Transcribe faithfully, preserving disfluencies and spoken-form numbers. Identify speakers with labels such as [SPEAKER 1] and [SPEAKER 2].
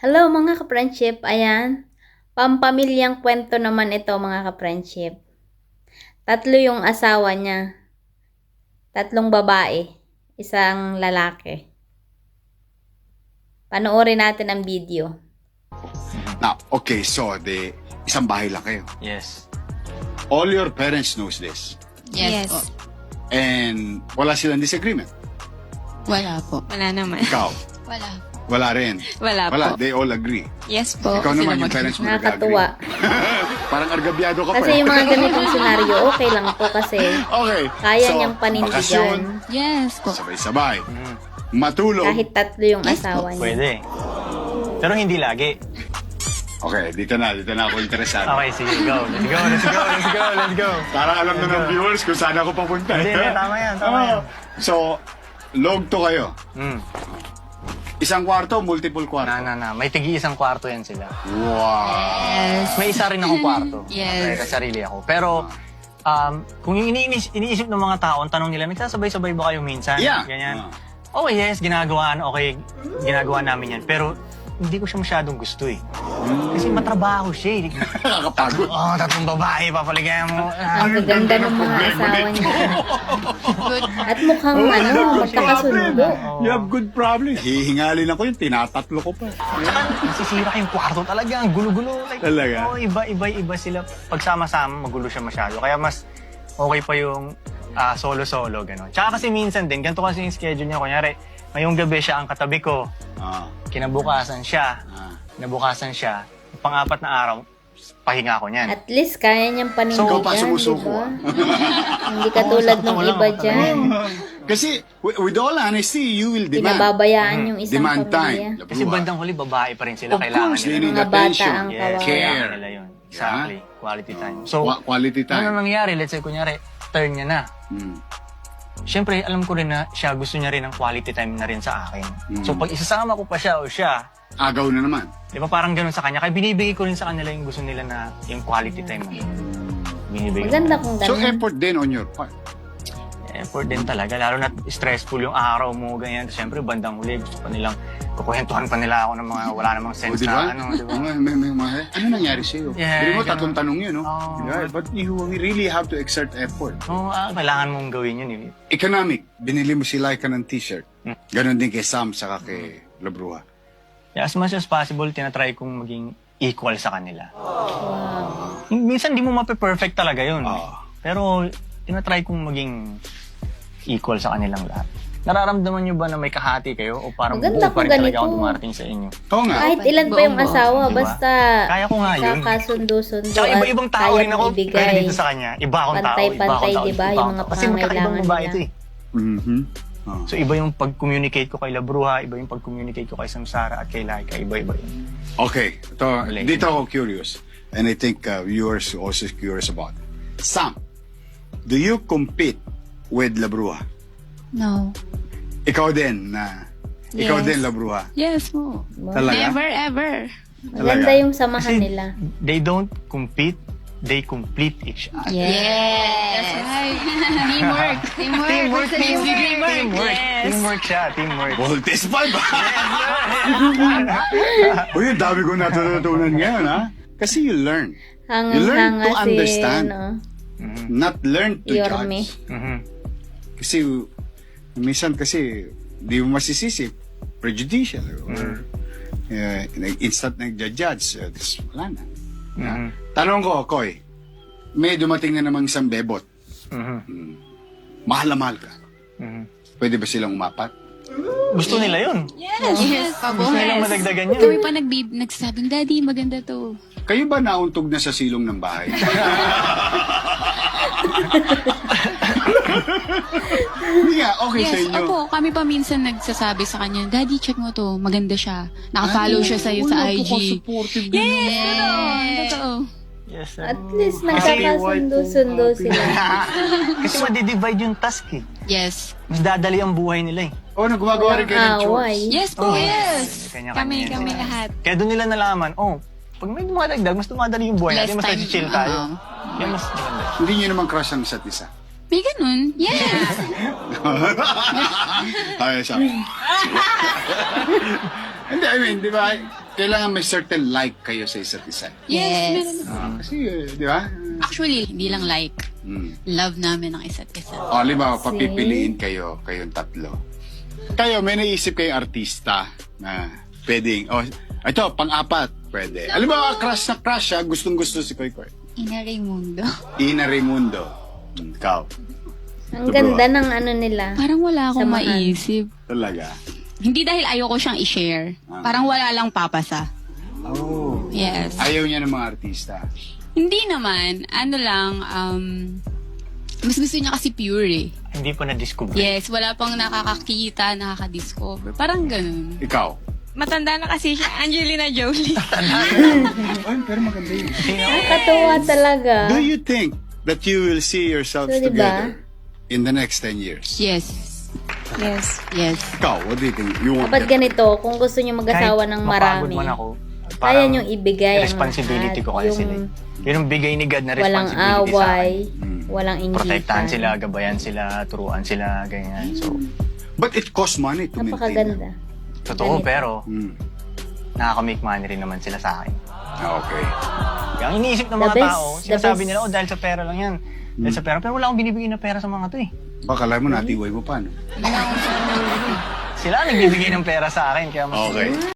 [SPEAKER 1] Hello mga ka-friendship, ayan. Pampamilyang kwento naman ito mga ka-friendship. Tatlo yung asawa niya. Tatlong babae, isang lalaki. Panoorin natin ang video.
[SPEAKER 2] Now, okay, so the isang bahay lang kayo.
[SPEAKER 3] Yes.
[SPEAKER 2] All your parents knows this.
[SPEAKER 4] Yes,
[SPEAKER 5] Yes.
[SPEAKER 4] po.
[SPEAKER 2] And wala silang disagreement.
[SPEAKER 4] Wala po.
[SPEAKER 5] Wala naman.
[SPEAKER 2] Ikaw,
[SPEAKER 4] Wala.
[SPEAKER 2] wala rin.
[SPEAKER 5] Wala,
[SPEAKER 2] Wala,
[SPEAKER 5] po.
[SPEAKER 2] they all agree.
[SPEAKER 5] Yes po.
[SPEAKER 2] Ikaw naman,
[SPEAKER 4] sila
[SPEAKER 2] yung
[SPEAKER 4] mag-
[SPEAKER 2] parents mo nag-agree.
[SPEAKER 1] Nakakatuwa.
[SPEAKER 2] Parang argabyado ka pa.
[SPEAKER 1] Kasi
[SPEAKER 2] eh.
[SPEAKER 1] yung mga ganitong senaryo, okay lang po kasi
[SPEAKER 2] Okay.
[SPEAKER 1] kaya
[SPEAKER 2] so,
[SPEAKER 1] niyang panindigan.
[SPEAKER 2] bakasyon,
[SPEAKER 4] Yes po.
[SPEAKER 2] sabay-sabay.
[SPEAKER 3] Mm.
[SPEAKER 2] Matulog.
[SPEAKER 1] Kahit tatlo yung
[SPEAKER 4] Yes
[SPEAKER 1] asawa niya.
[SPEAKER 3] Pwede. Pero hindi lagi.
[SPEAKER 2] Okay, dito na, dito na ako interesado.
[SPEAKER 3] Okay, sige, go. Let's go, let's go, let's go, let's go.
[SPEAKER 2] Para alam na ng viewers kung saan ako papunta.
[SPEAKER 3] Hindi, hindi, tama yan, tama
[SPEAKER 2] Oo.
[SPEAKER 3] yan.
[SPEAKER 2] So, log to kayo.
[SPEAKER 3] Mm.
[SPEAKER 2] Isang kwarto, multiple kwarto.
[SPEAKER 3] Na, na, na. May tigi isang kwarto yan sila.
[SPEAKER 2] Wow.
[SPEAKER 4] Yes.
[SPEAKER 3] May isa rin akong kwarto.
[SPEAKER 4] Yes.
[SPEAKER 3] Okay, sarili ako. Pero, um, kung yung iniinis, iniisip ng mga tao, ang tanong nila, nagsasabay-sabay ba kayo minsan?
[SPEAKER 2] Yeah.
[SPEAKER 3] Ganyan.
[SPEAKER 2] Ah.
[SPEAKER 3] Oh yes, ginagawa, okay, ginagawa namin yan. Pero, hindi ko siya masyadong gusto eh. Kasi matrabaho siya eh.
[SPEAKER 2] Nakakapagod.
[SPEAKER 3] Oh, tatlong babae, papaligayan mo. Ah,
[SPEAKER 1] Ang gaganda ng mga asawa niya. At mukhang ano, magkakasundo.
[SPEAKER 2] You have good problems. Hihingalin ako yun, tinatatlo ko pa.
[SPEAKER 3] Tsaka nasisira yung kwarto talaga, ang gulo-gulo. Like,
[SPEAKER 2] Talaga?
[SPEAKER 3] Oh, iba, iba, iba sila. Pagsama-sama, magulo siya masyado. Kaya mas okay pa yung ah, solo-solo, gano'n. Tsaka kasi minsan din, ganito kasi yung schedule niya. Kunyari, ngayong gabi siya ang katabi ko.
[SPEAKER 2] Ah,
[SPEAKER 3] Kinabukasan siya.
[SPEAKER 2] ah.
[SPEAKER 3] Kinabukasan siya. Pang-apat na araw, pahinga ko niyan.
[SPEAKER 1] At least kaya niyang panindigan,
[SPEAKER 2] Ikaw pa sumusuko.
[SPEAKER 1] diba? Hindi katulad
[SPEAKER 3] Oo, sakto
[SPEAKER 1] ng
[SPEAKER 3] mo lang,
[SPEAKER 1] iba
[SPEAKER 3] sakto
[SPEAKER 1] dyan.
[SPEAKER 2] Kasi, with, with all honesty, you will demand.
[SPEAKER 1] Pinababayaan yung isang
[SPEAKER 2] Demand
[SPEAKER 1] pamilya.
[SPEAKER 2] time.
[SPEAKER 3] Kasi bandang huli, babae pa rin sila.
[SPEAKER 2] Of
[SPEAKER 3] Kailangan
[SPEAKER 2] course,
[SPEAKER 3] nila.
[SPEAKER 2] they need
[SPEAKER 1] Mga bata
[SPEAKER 2] attention.
[SPEAKER 1] ang
[SPEAKER 3] Yes,
[SPEAKER 1] kawawa.
[SPEAKER 2] Care.
[SPEAKER 3] kailangan nila yun. Exactly. Quality time. So,
[SPEAKER 2] Qua- quality
[SPEAKER 3] ano
[SPEAKER 2] time.
[SPEAKER 3] na nangyari? Let's say, kunyari, turn niya na.
[SPEAKER 2] Hmm.
[SPEAKER 3] Siyempre, alam ko rin na siya gusto niya rin ng quality time na rin sa akin.
[SPEAKER 2] Mm.
[SPEAKER 3] So, pag isasama ko pa siya o siya,
[SPEAKER 2] Agaw na naman.
[SPEAKER 3] di ba parang ganun sa kanya? Kaya binibigay ko rin sa kanila yung gusto nila na yung quality time na yun. Binibigay
[SPEAKER 1] Maganda
[SPEAKER 3] ko.
[SPEAKER 1] kung
[SPEAKER 2] So,
[SPEAKER 1] ganun.
[SPEAKER 2] effort din on your part.
[SPEAKER 3] Effort din talaga. Lalo na stressful yung araw mo, ganyan. Siyempre, bandang huli, gusto pa nilang, kukwentuhan pa nila ako ng mga wala namang
[SPEAKER 2] O,
[SPEAKER 3] sense
[SPEAKER 2] di ba?
[SPEAKER 3] na ano, di ba?
[SPEAKER 2] May, may, may, may- ano nangyari sa'yo?
[SPEAKER 3] Yeah,
[SPEAKER 2] Hindi mo,
[SPEAKER 3] ganun.
[SPEAKER 2] tatlong tanong yun, no?
[SPEAKER 3] Oo.
[SPEAKER 2] Yeah, but you really have to exert effort.
[SPEAKER 3] Oo, ah, kailangan mong gawin yun. Eh.
[SPEAKER 2] Economic, binili mo si Laika ng t-shirt.
[SPEAKER 3] Hmm.
[SPEAKER 2] Ganon din kay Sam, saka kay Labruha.
[SPEAKER 3] Kaya as much as possible, tinatry kong maging equal sa kanila.
[SPEAKER 1] Wow.
[SPEAKER 3] Minsan, di mo mape-perfect talaga yun.
[SPEAKER 2] Ah.
[SPEAKER 3] Pero, tinatry kong maging equal sa kanilang lahat. Nararamdaman nyo ba na may kahati kayo o parang
[SPEAKER 1] Maganda
[SPEAKER 3] buo pa rin
[SPEAKER 1] kung
[SPEAKER 3] talaga ako
[SPEAKER 1] ganito.
[SPEAKER 3] dumarating sa inyo?
[SPEAKER 2] Oo nga.
[SPEAKER 1] Kahit ilan pa yung
[SPEAKER 4] Buong-buo.
[SPEAKER 1] asawa,
[SPEAKER 3] Diba?
[SPEAKER 1] basta
[SPEAKER 3] Kaya ko nga yun.
[SPEAKER 1] kakasundo-sundo
[SPEAKER 3] Tsaka
[SPEAKER 1] at
[SPEAKER 3] iba-ibang tao
[SPEAKER 1] kaya
[SPEAKER 3] rin ako,
[SPEAKER 1] mong
[SPEAKER 3] pero
[SPEAKER 1] ibigay.
[SPEAKER 3] dito sa kanya, iba akong tao, iba akong
[SPEAKER 1] Pantay-pantay,
[SPEAKER 3] tao,
[SPEAKER 1] diba?
[SPEAKER 3] iba
[SPEAKER 1] Yung
[SPEAKER 3] akong
[SPEAKER 1] mga
[SPEAKER 3] tao. Kasi magkakaibang
[SPEAKER 1] pangangailangan
[SPEAKER 3] babae
[SPEAKER 1] nila.
[SPEAKER 3] ito eh.
[SPEAKER 2] Mhm. Ah.
[SPEAKER 3] So iba yung pag-communicate ko kay Labruha, iba yung pag-communicate ko kay Samsara at kay Laika, iba-iba yun.
[SPEAKER 2] Okay, ito,
[SPEAKER 3] Relation.
[SPEAKER 2] dito ako curious. And I think uh, viewers also curious about it. Sam, do you compete with Labruha?
[SPEAKER 4] No.
[SPEAKER 2] Ikaw din na... Ikaw
[SPEAKER 5] Yes.
[SPEAKER 2] din, Labruha.
[SPEAKER 4] Yes po.
[SPEAKER 2] Talaga?
[SPEAKER 5] Never ever.
[SPEAKER 1] Maganda yung samahan
[SPEAKER 3] Kasi
[SPEAKER 1] nila.
[SPEAKER 3] they don't compete, they complete each other.
[SPEAKER 4] Yes.
[SPEAKER 5] That's right. Teamwork. Teamwork.
[SPEAKER 3] Teamwork,
[SPEAKER 5] It's a
[SPEAKER 3] teamwork,
[SPEAKER 5] teamwork.
[SPEAKER 3] teamwork.
[SPEAKER 5] Yes.
[SPEAKER 3] Teamwork siya, teamwork.
[SPEAKER 2] Voltes pa ba? Uy, ang dami ko natutunan ngayon, ha? Kasi you learn. You learn
[SPEAKER 1] Hangang-hanga
[SPEAKER 2] to
[SPEAKER 1] si,
[SPEAKER 2] understand.
[SPEAKER 1] ano,
[SPEAKER 3] Mhm.
[SPEAKER 2] Not learn to
[SPEAKER 1] Yorme.
[SPEAKER 2] judge.
[SPEAKER 3] Mhm.
[SPEAKER 2] Kasi, minsan kasi, di mo masisisi. Prejudicial. Or, uh, instant nag-judge. Uh, tas wala na.
[SPEAKER 3] Mhm.
[SPEAKER 2] Tanong ko, Koy, may dumating na namang isang bebot.
[SPEAKER 3] Mhm.
[SPEAKER 2] Mahal na mahal ka.
[SPEAKER 3] Mhm.
[SPEAKER 2] Pwede ba silang umapat?
[SPEAKER 3] Gusto nila yun.
[SPEAKER 5] Yes. Yes.
[SPEAKER 3] Gusto nilang madagdagan
[SPEAKER 4] Kami
[SPEAKER 3] yun.
[SPEAKER 4] pa nagbib nagsasabing, Daddy, maganda to.
[SPEAKER 2] Kayo ba nauntog na sa silong ng bahay? Hindi nga, okay sa
[SPEAKER 4] Yes,
[SPEAKER 2] inyo.
[SPEAKER 4] opo. Kami pa minsan nagsasabi sa kanya, Daddy, check mo to. Maganda siya. Nakafollow siya sa'yo sa I G. Yes, totoo. Totoo.
[SPEAKER 3] Yes, sir.
[SPEAKER 1] At least nagkakasundo-sundo sila.
[SPEAKER 3] Kasi madidivide yung task eh.
[SPEAKER 4] Yes.
[SPEAKER 3] Mas dadali ang buhay nila eh.
[SPEAKER 2] Oh, nagumagawa rin kayo ng
[SPEAKER 1] Away.
[SPEAKER 2] chores.
[SPEAKER 4] Yes po,
[SPEAKER 3] Oh,
[SPEAKER 4] yes.
[SPEAKER 3] Kanya-kanya
[SPEAKER 4] Kami,
[SPEAKER 3] yan
[SPEAKER 4] kami
[SPEAKER 3] sila.
[SPEAKER 4] lahat.
[SPEAKER 3] Kaya doon nila nalaman, oh, pag may dumadagdag, mas dumadali yung buhay natin,
[SPEAKER 4] Less
[SPEAKER 3] mas
[SPEAKER 4] time.
[SPEAKER 3] nag-chill tayo.
[SPEAKER 4] Oo.
[SPEAKER 3] Kaya mas maganda.
[SPEAKER 2] Hindi nyo naman crush ang isa't isa.
[SPEAKER 4] May ganun. Yes.
[SPEAKER 2] Ay, siya. Hindi, I mean, di ba? kailangan may certain like kayo sa isa't isa.
[SPEAKER 4] Yes. meron.
[SPEAKER 2] Ah, kasi, eh, di ba?
[SPEAKER 4] Actually, hindi lang like.
[SPEAKER 2] Hmm.
[SPEAKER 4] Love namin ang isa't isa.
[SPEAKER 2] O, halimbawa, papipiliin kayo, kayong tatlo. Kayo, may naisip kayong artista na pwedeng, oh, ito, pang-apat, pwede. Halimbawa, crush na crush siya, gustong-gusto si Koy Koy.
[SPEAKER 4] Ina Raimundo.
[SPEAKER 2] Ina Raimundo. Hmm, ikaw.
[SPEAKER 1] Ang ganda ng ano nila.
[SPEAKER 4] Parang wala akong
[SPEAKER 1] Samahan.
[SPEAKER 4] maisip.
[SPEAKER 2] Talaga.
[SPEAKER 4] Hindi dahil ayoko siyang i-share.
[SPEAKER 2] Ah.
[SPEAKER 4] Parang wala lang papasa.
[SPEAKER 2] Oh.
[SPEAKER 4] Yes.
[SPEAKER 2] Ayaw niya ng mga artista.
[SPEAKER 4] Hindi naman. Ano lang, um, mas gusto niya kasi pure eh.
[SPEAKER 3] Hindi po na-discover.
[SPEAKER 4] Yes, wala pang nakakakita, nakaka-discover. Parang ganun.
[SPEAKER 2] Ikaw.
[SPEAKER 5] Matanda na kasi siya, Angelina Jolie.
[SPEAKER 2] Ay, pero maganda yun.
[SPEAKER 1] Ang katuwa talaga.
[SPEAKER 2] Do you think that you will see yourselves
[SPEAKER 1] So, diba?
[SPEAKER 2] together in the next ten years?
[SPEAKER 4] Yes.
[SPEAKER 5] Yes.
[SPEAKER 4] Yes.
[SPEAKER 2] Ikaw, what do you think? You want
[SPEAKER 1] Dapat ganito, kung gusto nyo mag-asawa ng
[SPEAKER 3] mapagod
[SPEAKER 1] marami,
[SPEAKER 3] man ako,
[SPEAKER 1] kaya
[SPEAKER 3] parang
[SPEAKER 1] nyo ibigay ang
[SPEAKER 3] responsibility
[SPEAKER 1] lahat.
[SPEAKER 3] ko kaya
[SPEAKER 1] Yung
[SPEAKER 3] sila. eh. Yun ang bigay ni God na
[SPEAKER 1] walang
[SPEAKER 3] responsibility sa
[SPEAKER 1] away,
[SPEAKER 3] akin.
[SPEAKER 2] Mm.
[SPEAKER 1] walang inggitan.
[SPEAKER 3] Protektahan sila, gabayan sila, turuan sila, ganyan. So,
[SPEAKER 2] But it costs money to maintain.
[SPEAKER 1] Napakaganda.
[SPEAKER 3] totoo,
[SPEAKER 1] Ganito.
[SPEAKER 3] pero
[SPEAKER 2] Mm.
[SPEAKER 3] nakaka-make money rin naman sila sa akin.
[SPEAKER 2] Okay.
[SPEAKER 3] Kaya ang iniisip ng
[SPEAKER 1] The
[SPEAKER 3] mga
[SPEAKER 1] best,
[SPEAKER 3] tao,
[SPEAKER 1] the
[SPEAKER 3] sinasabi
[SPEAKER 1] best.
[SPEAKER 3] nila, oh, dahil sa pera lang yan. Dahil sa pera. Pero wala akong binibigay na pera sa mga to eh.
[SPEAKER 2] Baka alam mo, natiway mo pa, no?
[SPEAKER 3] Sila ang nagbibigay ng pera sa akin. Kaya mas
[SPEAKER 2] Okay.